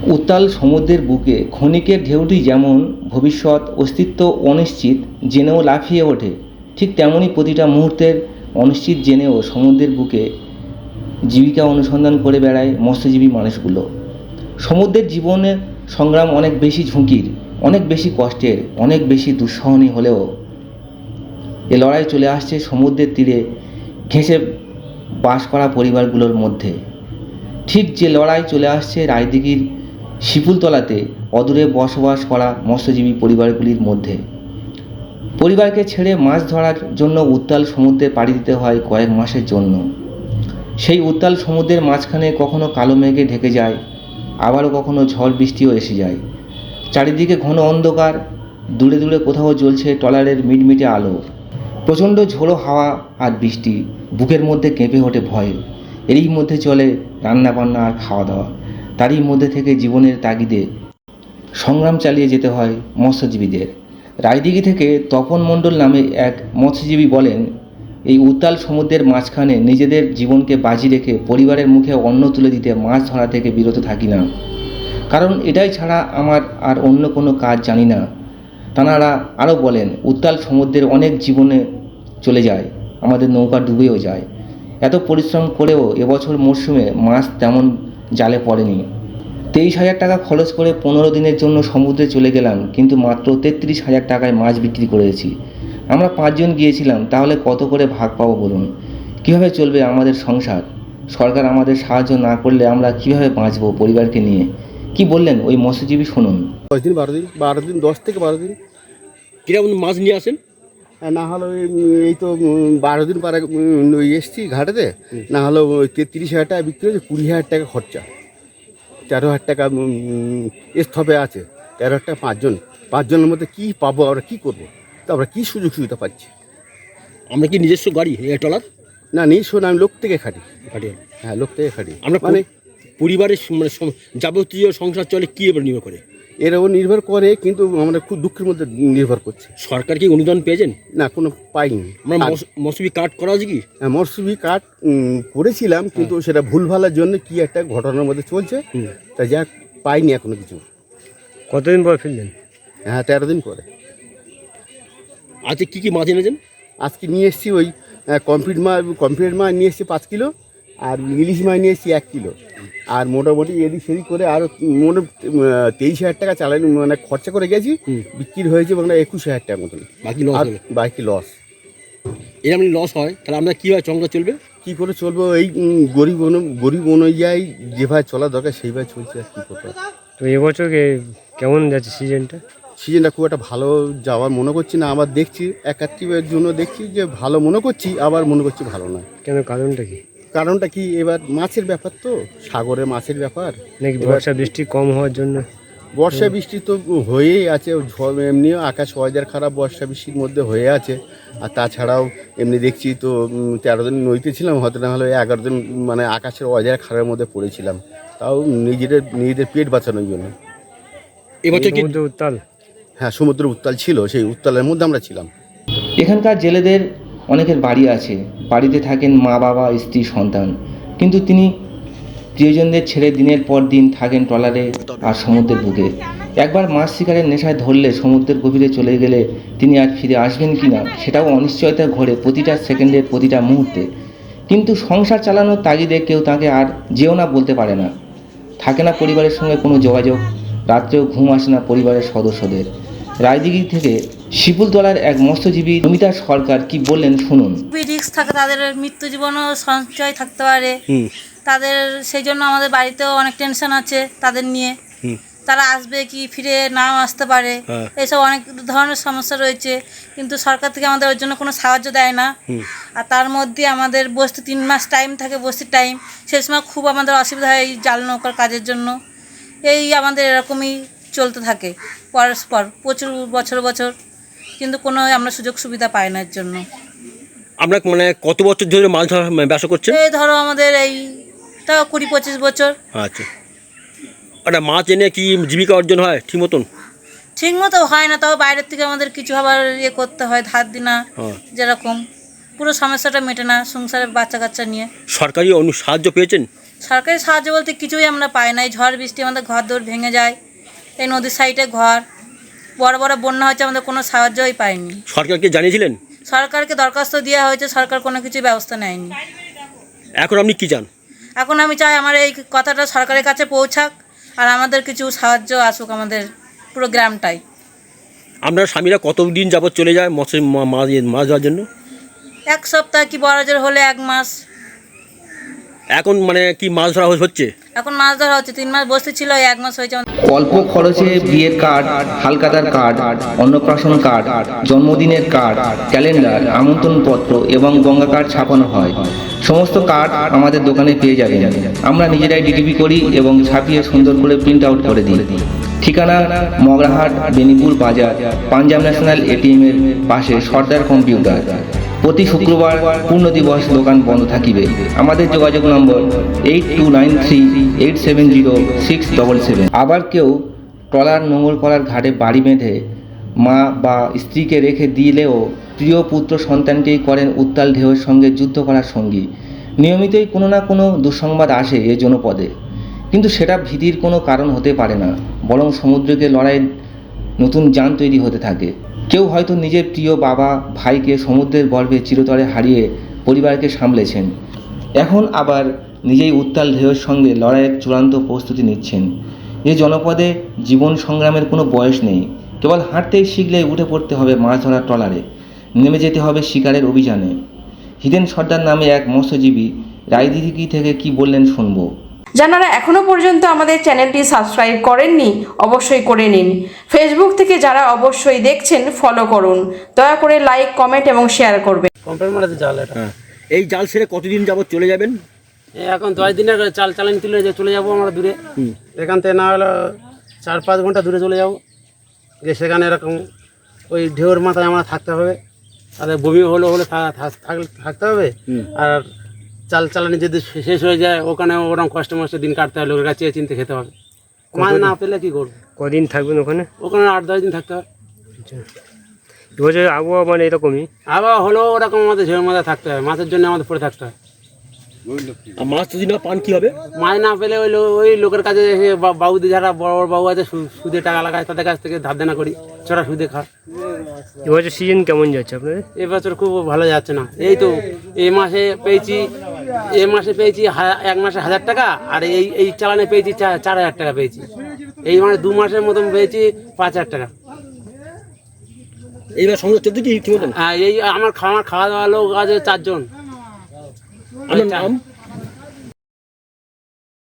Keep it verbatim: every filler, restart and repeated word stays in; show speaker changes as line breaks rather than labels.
উত্তাল সমুদ্রের বুকে ক্ষণিকের ঢেউটি যেমন ভবিষ্যৎ অস্তিত্ব অনিশ্চিত জেনেও লাফিয়ে ওঠে, ঠিক তেমনই প্রতিটা মুহূর্তের অনিশ্চিত জেনেও সমুদ্রের বুকে জীবিকা অনুসন্ধান করে বেড়ায় মৎস্যজীবী মানুষগুলো। সমুদ্রের জীবনের সংগ্রাম অনেক বেশি ঝুঁকির, অনেক বেশি কষ্টের, অনেক বেশি দুঃসহনীয় হলেও এ লড়াই চলে আসছে সমুদ্রের তীরে ঘেঁষে বাস করা পরিবারগুলোর মধ্যে। ঠিক যে লড়াই চলে আসছে রায়দিঘির শিপুলতলাতে অদূরে বসবাস করা মৎস্যজীবী পরিবারগুলির মধ্যে। পরিবারকে ছেড়ে মাছ ধরার জন্য উত্তাল সমুদ্রে পাড়ি দিতে হয় কয়েক মাসের জন্য। সেই উত্তাল সমুদ্রের মাঝখানে কখনো কালো মেঘে ঢেকে যায়, আবারও কখনো ঝড় বৃষ্টিও এসে যায়। চারিদিকে ঘন অন্ধকার, দূরে দূরে কোথাও জ্বলছে ট্রলারের মিটমিটে আলো। প্রচণ্ড ঝোড়ো হাওয়া আর বৃষ্টি, বুকের মধ্যে কেঁপে ওঠে ভয়ে। এরই মধ্যে চলে রান্নাবান্না আর খাওয়া দাওয়া। তারই মধ্যে থেকে জীবনের তাগিদে সংগ্রাম চালিয়ে যেতে হয় মৎস্যজীবীদের। রায়দিঘি থেকে তপন মণ্ডল নামে এক মৎস্যজীবী বলেন, এই উত্তাল সমুদ্রের মাঝখানে নিজেদের জীবনকে বাজি রেখে পরিবারের মুখে অন্ন তুলে দিতে মাছ ধরা থেকে বিরত থাকি না, কারণ এটাই ছাড়া আমার আর অন্য কোনো কাজ জানি না। তাঁরা আরও বলেন, উত্তাল সমুদ্রের অনেক জীবনে চলে যায়, আমাদের নৌকা ডুবেও যায়। এত পরিশ্রম করেও এবছর মরশুমে মাছ তেমন জালে পড়েনি। তেইশ হাজার টাকা খরচ করে পনেরো দিনের জন্য সমুদ্রে চলে গেলাম, কিন্তু মাত্র তেত্রিশ হাজার টাকায় মাছ বিক্রি করেছি। আমরা পাঁচজন গিয়েছিলাম, তাহলে কত করে ভাগ পাবো বলুন? কীভাবে চলবে আমাদের সংসার? সরকার আমাদের সাহায্য না করলে আমরা কীভাবে বাঁচবো পরিবারকে নিয়ে? কি বললেন ওই মৎস্যজীবী, শুনুন।
দশ দিন বারো দিন বারো দিন দশ থেকে বারো দিন
কিরকম মাছ নিয়ে আসেন?
না হলো এই তো বারো দিন পরে ওই এসছি ঘাটেতে, না হলো ওই তেত্রিশ হাজার টাকা বিক্রি হয়েছে, কুড়ি হাজার টাকা খরচা, তেরো হাজার টাকা স্থপে আছে, তেরো হাজার টাকা পাঁচজন পাঁচজনের মধ্যে কী পাবো, আমরা কী করবো? তো আমরা কী সুযোগ সুবিধা পাচ্ছি?
আমরা কি নিজস্ব গাড়ি ট্রলার?
না, নিজস্ব না, আমি লোক থেকে খাটি
খাটি
হ্যাঁ, লোক থেকে খাটি।
আমরা
মানে
পরিবারের মানে যাবতীয় সংসার চলে কী এবার নির্ভর করে?
এর ওপর নির্ভর করে, কিন্তু আমরা খুব দুঃখের মধ্যে নির্ভর করছি।
সরকার কি অনুদান পেয়েছেন?
না, কোনো পাইনি।
আমরা মৌসুমি কার্ড করা আছে কি?
হ্যাঁ, মৌসুমি কার্ড করেছিলাম, কিন্তু সেটা ভুলভালের জন্য কি একটা ঘটনার মধ্যে চলছে, তা যাক পাইনি এখনো কিছু।
কতদিন পর ফিরলেন?
হ্যাঁ, তেরো দিন পরে।
আজকে কী কী মাছ এনেছেন?
আজকে নিয়ে এসেছি ওই কমপ্লিট মাছ, কমপ্লিট মাছ নিয়ে এসেছি পাঁচ কিলো, আর ইলিশ মাছ নিয়ে এসেছি এক কিলো, আর মোটামুটি এদিক সেদিক করে আরও মোট তেইশ হাজার টাকা চালানি মানে খরচা করে গেছি, বিক্রি হয়েছে মানে একুশ হাজার টাকার মতন।
বাকি লস?
বাকি লস।
এরকম লস হয় তাহলে আমরা কীভাবে সংসার চলবে?
কী করে চলবো? এই গরিব গরিব অনুযায়ী যেভাবে চলা দরকার সেইভাবে চলছে, আর কী করতে।
তো এবছর কেমন যাচ্ছে সিজনটা?
সিজনটা খুব একটা ভালো যাওয়ার মনে করছি না, আবার দেখছি একাত্রিবের জন্য দেখছি যে ভালো মনে করছি, আবার মনে করছি ভালো নয়।
কেন, কারণটা কি?
কারণটা কি, এবার মাছের ব্যাপার তো, সাগরে মাছের ব্যাপার
নাকি বর্ষা বৃষ্টি কম হওয়ার জন্য?
বর্ষা বৃষ্টি তো হয়েই আছে, এমনিও আকাশ ওয়েদার খারাপ, বর্ষা বৃষ্টির মধ্যে হয়ে আছে। আর তাছাড়াও এমনি দেখছি তো তেরো দিন নইতে ছিলাম, হয়তো না হলে এগারো দিন মানে আকাশের ওয়েদার খারাপের মধ্যে পড়েছিলাম, তাও নিজেদের নিজেদের পেট বাঁচানোর জন্য।
এবছর কি
উত্তাল?
হ্যাঁ, সমুদ্র উত্তাল ছিল, সেই উত্তালের মধ্যে আমরা ছিলাম।
এখানকার জেলেদের অনেকের বাড়ি আছে, বাড়িতে থাকেন মা বাবা স্ত্রী সন্তান, কিন্তু তিনি প্রিয়জনদের ছেড়ে দিনের পর দিন থাকেন ট্রলারে আর সমুদ্রের বুকে। একবার মাছ শিকারের নেশায় ধরলে সমুদ্রের গভীরে চলে গেলে তিনি আর ফিরে আসবেন কি না সেটাও অনিশ্চয়তা ঘোরে প্রতিটা সেকেন্ডের প্রতিটা মুহূর্তে। কিন্তু সংসার চালানোর তাগিদে কেউ তাকে আর যেও না বলতে পারে না। থাকে না পরিবারের সঙ্গে কোনো যোগাযোগ, রাত্রেও ঘুম আসে না পরিবারের সদস্যদের। রায়দিঘি থেকে শিপুলতলার এক মৎস্যজীবী নমিতা সরকার কি বললেন, শুনুন।
রিস্ক থাকে, তাদের মৃত্যু জীবনও সঞ্চয় থাকতে পারে তাদের, সেই জন্য আমাদের বাড়িতেও অনেক টেনশন আছে তাদের নিয়ে। তারা আসবে কি ফিরে নাও আসতে পারে, এইসব অনেক ধরনের সমস্যা রয়েছে, কিন্তু সরকার থেকে আমাদের ওর জন্য কোনো সাহায্য দেয় না। আর তার মধ্যে আমাদের বসতে তিন মাস টাইম থাকে, বসতির টাইম, সেই সময় খুব আমাদের অসুবিধা হয় এই জাল নৌকার কাজের জন্য। এই আমাদের এরকমই চলতে থাকে পরস্পর প্রচুর বছর বছর, কিন্তু কোনো আমরা সুযোগ সুবিধা পাই না এর জন্য।
আমরা মানে কত বছর ধরে মাছ ধরা ব্যবসা করছেন?
এই ধরো আমাদের এই তাও কুড়ি পঁচিশ বছর।
আচ্ছা, একটা মাছ এনে কি জীবিকা অর্জন হয় ঠিক মতন?
ঠিক মতো হয় না, তাও বাইরের থেকে আমাদের কিছু আবার ইয়ে করতে হয়, ধার দিনা, যেরকম পুরো সমস্যাটা মেটে না সংসারের বাচ্চা কাচ্চা নিয়ে।
সরকারি অনু সাহায্য পেয়েছেন?
সরকারি সাহায্য বলতে কিছুই আমরা পাই না। এই ঝড় বৃষ্টি আমাদের ঘর দৌড় ভেঙে যায়, এই নদীর সাইডে ঘর, বড় বড় বন্যা হচ্ছে, আমাদের কোনো সাহায্যই পাইনি।
সরকারকে জানিয়েছিলেন?
সরকারকে দরখাস্ত দেওয়া হয়েছে, সরকার কোনো কিছু ব্যবস্থা নেয়নি।
এখন আপনি কি চান?
এখন আমি চাই আমার এই কথাটা সরকারের কাছে পৌঁছাক, আর আমাদের কিছু সাহায্য আসুক আমাদের পুরো গ্রামটাই।
আপনার স্বামীরা কতদিন যাবত চলে যায় মৎস্য মা- মাছ মাছ ধরার জন্য?
এক সপ্তাহ কি বড় জোর হলে এক মাস।
এখন মানে কি মাছ ধরা হচ্ছে?
এখন মাছ ধরা হচ্ছে, তিন মাস বসতে ছিল, এই এক মাস হয়েছে।
অল্প খরচে বিয়ের কার্ড, হালখাতার কার্ড, অন্নপ্রাশন কার্ড, জন্মদিনের কার্ড, ক্যালেন্ডার, আমন্ত্রণপত্র এবং গঙ্গা কার্ড ছাপানো হয়। সমস্ত কার্ড আমাদের দোকানে পেয়ে যাবেন। আমরা নিজেরাই ডিটিপি করি এবং ছাপিয়ে সুন্দর করে প্রিন্ট আউট করে দিই। ঠিকানা মগরাহাট, বেনিপুর বাজার, পাঞ্জাব ন্যাশনাল এটিএম এর পাশে সর্দার কম্পিউটার। প্রতি শুক্রবার পূর্ণ দিবস দোকান বন্ধ থাকিবে। আমাদের যোগাযোগ number eight two nine three eight seven zero six double seven. আবার কেউ ট্রলার নোঙর করার ঘাটে বাড়ি বেঁধে মা বা স্ত্রীকে রেখে দিলেও প্রিয় পুত্র সন্তানকেই করেন উত্তাল ঢেউয়ের সঙ্গে যুদ্ধ করার সঙ্গী। নিয়মিতই কোনো না কোনো দুঃসংবাদ আসে এ জনপদে, কিন্তু সেটা ভীতির কোনো কারণ হতে পারে না, বরং সমুদ্রকে লড়াইয়ের নতুন যান তৈরি হতে থাকে। কেউ হয়তো নিজের প্রিয় বাবা ভাইকে সমুদ্রের গর্ভে চিরতরে হারিয়ে পরিবারকে সামলেছেন, এখন আবার নিজেই উত্তাল ঢেউয়ের সঙ্গে লড়াইয়ের চূড়ান্ত প্রস্তুতি নিচ্ছেন। এই জনপদে জীবন সংগ্রামের কোনো বয়স নেই, কেবল হাঁটতেই শিখলেই উঠে পড়তে হবে মাছ ধরার ট্রলারে, নেমে যেতে হবে শিকারের অভিযানে। হিদেন সর্দার নামে এক মৎস্যজীবী রায়দিঘি থেকে কি বললেন শুনবো।
যারা এখনো পর্যন্ত আমাদের চ্যানেলটি সাবস্ক্রাইব করেননি অবশ্যই করে নিন। ফেসবুক থেকে যারা অবশ্যই দেখছেন ফলো করুন, দয়া করে লাইক, কমেন্ট এবং শেয়ার করবেন।
কম্পেয়ার মারাতে জাল এটা।
হ্যাঁ, এই জাল ছেড়ে কতদিন যাবত চলে যাবেন?
এই এখন দশ দিনের চাল চালানি তুলে যে চলে যাবো আমরা দূরে, এখান থেকে না হলো চার পাঁচ ঘন্টা দূরে চলে যাবো, যে সেখানে এরকম ওই ঢেউর মাথায় আমরা থাকতে হবে, তাদের বমি হলো হলে থা- থা- থাক- থাকতে হবে। আর চাল চালানি যদি শেষ হয়ে যায় ওখানে ওরকম কষ্ট মষ্ট দিন কাটতে হবে, লোকের কাছে চিনতে খেতে হবে। মাছ না পেলে কী করবো?
কদিন থাকবেন ওখানে?
ওখানে আট দশ দিন থাকতে হবে।
এবছর আবহাওয়া মানে এরকমই,
আবার হলেও ওরকম আমাদের ঢেউর মাথায় থাকতে হবে, মাছের জন্য আমাদের পড়ে থাকতে হয়।
আর মাছ যদি না পান কি হবে?
মাছ না পেলে ওই লো- ওই লোকের কাছে এসে বা- বাবুদের যারা বড় বড় বাবু আছে সু- সুদে টাকা লাগায়, তাদের কাছ থেকে ধার দেনা করি, চড়া সুদে খা।
এবছর সিজন কেমন যাচ্ছে আপনাদের?
এবছর খুব ভালো যাচ্ছে না। এই তো এই মাসে পেয়েছি, এই মাসে পেয়েছি হা- এক মাসে হাজার টাকা, আর এই এই চালানে পেয়েছি চা- চার হাজার টাকা পেয়েছি। এই মানে দু মাসের মতন পেয়েছি পাঁচ হাজার টাকা।
এইবার সংসার চলতে কি ঠিক মতন?
আর এই আমার খাওয়া খাওয়া দাওয়া লোক আছে চারজন।
আপনার নাম?